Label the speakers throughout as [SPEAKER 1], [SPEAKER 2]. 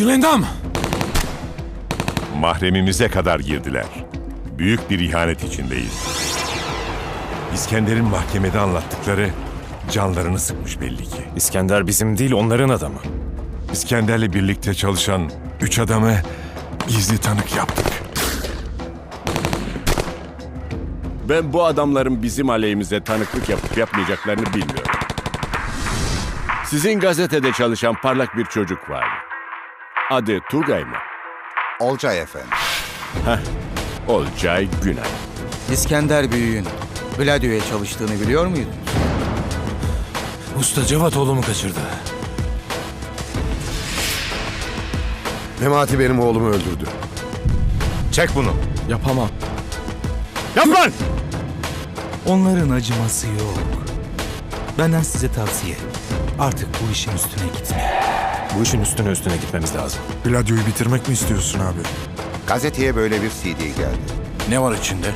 [SPEAKER 1] Gülendam!
[SPEAKER 2] Mahremimize kadar girdiler. Büyük bir ihanet içindeyiz. İskender'in mahkemede anlattıkları canlarını sıkmış belli ki.
[SPEAKER 3] İskender bizim değil, onların adamı.
[SPEAKER 2] İskender'le birlikte çalışan 3 adamı gizli tanık yaptık.
[SPEAKER 4] Ben bu adamların bizim aleyhimize tanıklık yapıp yapmayacaklarını bilmiyorum. Sizin gazetede çalışan parlak bir çocuk vardı. Adı Tugay mı?
[SPEAKER 5] Olcay efendim.
[SPEAKER 4] Olcay Günay.
[SPEAKER 6] İskender Büyük'ün Gladio'ya çalıştığını biliyor muydun?
[SPEAKER 1] Usta Cevat oğlumu kaçırdı.
[SPEAKER 7] Memati benim oğlumu öldürdü.
[SPEAKER 3] Çek bunu.
[SPEAKER 1] Yapamam.
[SPEAKER 4] Yap lan!
[SPEAKER 8] Onların acıması yok. Benden size tavsiye. Artık bu işin üstüne gitme.
[SPEAKER 3] Bu işin üstüne gitmemiz lazım.
[SPEAKER 7] Gladio'yu bitirmek mi istiyorsun abi?
[SPEAKER 5] Gazeteye böyle bir CD geldi.
[SPEAKER 1] Ne var içinde?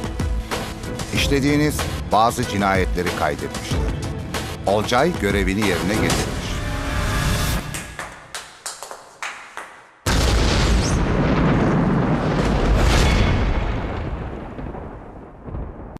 [SPEAKER 5] İşlediğiniz bazı cinayetleri kaydetmişler. Olcay görevini yerine getirdi.